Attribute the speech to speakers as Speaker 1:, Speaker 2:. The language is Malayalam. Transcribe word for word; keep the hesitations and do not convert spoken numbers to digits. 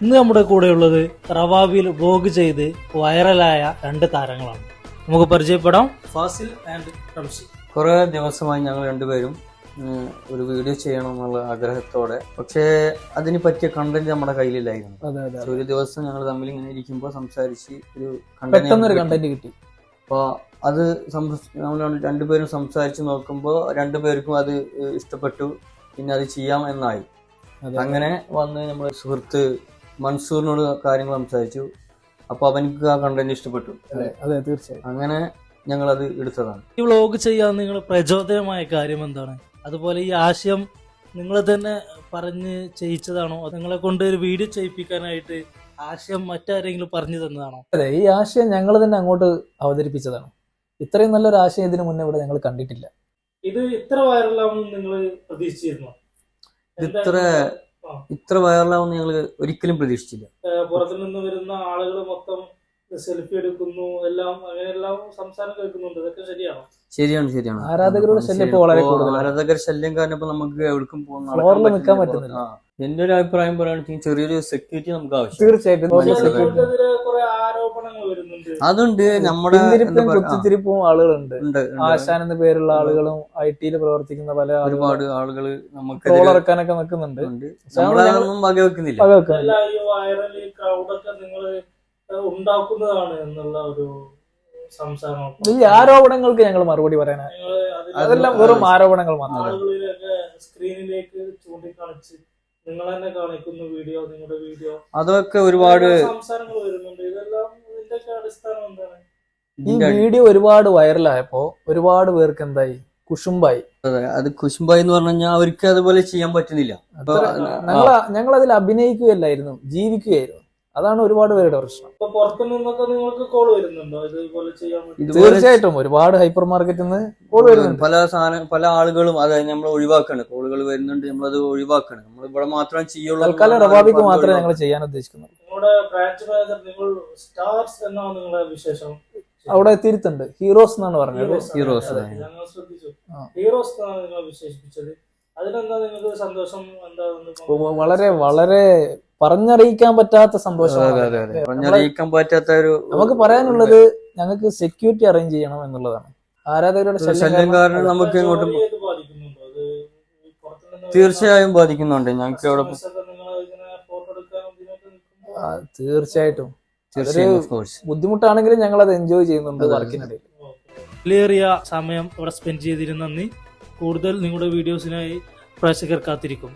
Speaker 1: ഇന്ന് നമ്മുടെ കൂടെയുള്ളത് റവാബിയിൽ വ്ലോഗ് ചെയ്ത് വൈറലായ രണ്ട് താരങ്ങളാണ്. നമുക്ക് പരിചയപ്പെടാം. ഫാസിൽ ആൻഡ് റംസി.
Speaker 2: കുറെ ദിവസമായി ഞങ്ങൾ രണ്ടുപേരും ഒരു വീഡിയോ ചെയ്യണം എന്നുള്ള ആഗ്രഹത്തോടെ, പക്ഷേ അതിന് പറ്റിയ കണ്ടന്റ് നമ്മുടെ കയ്യിലില്ലായിരുന്നു. ഒരു ദിവസം ഞങ്ങൾ തമ്മിൽ ഇങ്ങനെ ഇരിക്കുമ്പോൾ സംസാരിച്ച് ഒരു കണ്ടന്റ് കിട്ടി. അപ്പൊ അത് നമ്മൾ രണ്ടുപേരും സംസാരിച്ച് നോക്കുമ്പോൾ രണ്ടുപേർക്കും അത് ഇഷ്ടപ്പെട്ടു. പിന്നെ അത് ചെയ്യാം എന്നായി. അങ്ങനെ വന്ന് നമ്മുടെ സുഹൃത്ത് മൻസൂറിനോട് കാര്യങ്ങൾ സംസാരിച്ചു. അപ്പൊ അവനക്ക് ആ കണ്ടന്റ് ഇഷ്ടപ്പെട്ടു.
Speaker 3: അതെ, തീർച്ചയായും.
Speaker 2: അങ്ങനെ ഞങ്ങൾ അത് എടുത്തതാണ്.
Speaker 1: ഈ വ്ലോഗ് ചെയ്യാൻ നിങ്ങൾ പ്രചോദനമായ കാര്യം എന്താണ്? അതുപോലെ ഈ ആശയം നിങ്ങൾ തന്നെ പറഞ്ഞ് ചെയ്യിച്ചതാണോ? നിങ്ങളെ കൊണ്ട് ഒരു വീഡിയോ ചെയ്യിപ്പിക്കാനായിട്ട് ആശയം മറ്റാരെങ്കിലും പറഞ്ഞു തന്നതാണോ?
Speaker 3: അതെ, ഈ ആശയം ഞങ്ങൾ തന്നെ അങ്ങോട്ട് അവതരിപ്പിച്ചതാണ്. ഇത്രയും നല്ലൊരു ആശയം ഇതിനു മുന്നേ ഇവിടെ ഞങ്ങൾ കണ്ടിട്ടില്ല.
Speaker 1: ഇത് ഇത്ര വൈറലാവുമെന്ന് നിങ്ങൾ പ്രതീക്ഷിച്ചിരുന്നോ?
Speaker 2: ഇത്ര ഇത്ര വൈറലാവുമെന്ന് ഞങ്ങൾ ഒരിക്കലും പ്രതീക്ഷിച്ചില്ല.
Speaker 1: പുറത്തു നിന്ന് വരുന്ന ആളുകൾ മൊത്തം സെൽഫി എടുക്കുന്നു, എല്ലാം അങ്ങനെയെല്ലാം സംസാരം കേൾക്കുന്നുണ്ട്. ഇതൊക്കെ ശരിയാണോ?
Speaker 2: ശരിയാണ് ശരിയാണ്
Speaker 3: ആരാധകരുടെ ശല്യം ഇപ്പോൾ വളരെ കൂടുതൽ.
Speaker 2: ആരാധകർ ശല്യം കാരണം ഇപ്പൊ നമുക്ക് എവിടേക്കും
Speaker 3: ഫ്ലോറിൽ നിൽക്കാൻ പറ്റുന്നില്ല.
Speaker 2: എന്റെ ഒരു അഭിപ്രായം പറയുകയാണെങ്കിൽ ചെറിയൊരു സെക്യൂരിറ്റി നമുക്ക് ആവശ്യം.
Speaker 3: തീർച്ചയായിട്ടും
Speaker 1: ആരോപണങ്ങൾ വരുന്നുണ്ട്.
Speaker 2: അതുണ്ട്. നമ്മുടെ
Speaker 3: കുത്തിത്തിരിപ്പും ആളുകളുണ്ട്. ആശാൻ എന്ന പേരുള്ള ആളുകളും ഐ ടിയിൽ പ്രവർത്തിക്കുന്ന പല
Speaker 2: ഒരുപാട് ആളുകൾ നമുക്ക്
Speaker 3: ട്രോൾ ഇറക്കാനൊക്കെ നിൽക്കുന്നുണ്ട്.
Speaker 2: നമ്മളതൊന്നും വകവെക്കുന്നില്ല.
Speaker 1: ഉണ്ടാക്കുന്നതാണ് എന്നുള്ള ഒരു സംസാരം.
Speaker 3: ഈ ആരോപണങ്ങൾക്ക് ഞങ്ങൾ മറുപടി പറയാനാണ്. അതെല്ലാം വെറും ആരോപണങ്ങൾ മാത്രമാണ്.
Speaker 1: ആളുകളിലൊക്കെ സ്ക്രീനിലേക്ക് ചൂണ്ടിക്കാണിച്ച് നിങ്ങൾ തന്നെ കാണിക്കുന്ന വീഡിയോ, നിങ്ങളുടെ വീഡിയോ,
Speaker 2: അതൊക്കെ ഒരുപാട്
Speaker 1: സംസാരങ്ങൾ വരുന്നുണ്ട്. ഇതെല്ലാം ഇതിന്റെയൊക്കെ അടിസ്ഥാനം എന്താണ്?
Speaker 3: ഈ വീഡിയോ ഒരുപാട് വൈറലായപ്പോ ഒരുപാട് പേർക്ക് എന്തായി, കുശുംബായി.
Speaker 2: അതെ, അത് കുശുംബായി എന്ന് പറഞ്ഞു കഴിഞ്ഞാൽ അവർക്ക് അതുപോലെ ചെയ്യാൻ പറ്റുന്നില്ല.
Speaker 3: ഞങ്ങൾ ഞങ്ങൾ അതിൽ അഭിനയിക്കുകയല്ലായിരുന്നു, ജീവിക്കുകയായിരുന്നു. അതാണ് ഒരുപാട് പേരുടെ പ്രശ്നം. തീർച്ചയായിട്ടും ഒരുപാട് ഹൈപ്പർ മാർക്കറ്റിൽ നിന്ന് കോൾ വരുന്നുണ്ട്.
Speaker 2: പല സാധനം പല ആളുകളും അതായത് നമ്മൾ ഒഴിവാക്കണം. കോളുകൾ വരുന്നുണ്ട്, നമ്മളത് ഒഴിവാക്കണം. നമ്മൾ ഇവിടെ മാത്രം ചെയ്യുള്ളൂ.
Speaker 3: തൽക്കാലം റവാബിക്ക് മാത്രമേ ഞങ്ങൾ ചെയ്യാൻ ഉദ്ദേശിക്കുന്നുള്ളൂ. അവിടെ തിരുത്തുണ്ട്, ഹീറോസ് എന്നാണ് പറഞ്ഞത്.
Speaker 2: ഹീറോസ്
Speaker 3: വളരെ വളരെ പറഞ്ഞറിയിക്കാൻ പറ്റാത്ത സന്തോഷം.
Speaker 2: പറഞ്ഞറിയിക്കാൻ പറ്റാത്ത ഒരു
Speaker 3: നമുക്ക് പറയാനുള്ളത്, ഞങ്ങൾക്ക് സെക്യൂരിറ്റി അറേഞ്ച് ചെയ്യണം എന്നുള്ളതാണ്. ആരാധകരുടെ
Speaker 2: ശല്യം കാരണം നമുക്ക് ഇങ്ങോട്ടും തീർച്ചയായും ബാധിക്കുന്നുണ്ട്. ഞങ്ങൾക്ക് അവിടെ
Speaker 3: തീർച്ചയായിട്ടും ബുദ്ധിമുട്ടാണെങ്കിലും ഞങ്ങൾ അത് എൻജോയ് ചെയ്യുന്നുണ്ട് വർക്കിനിടയിൽ.
Speaker 1: വിലയേറിയ സമയം ഇവിടെ സ്പെൻഡ് ചെയ്തിരുന്ന നന്ദി. കൂടുതൽ നിങ്ങളുടെ വീഡിയോസിനായി പ്രേക്ഷകർ കാത്തിരിക്കും.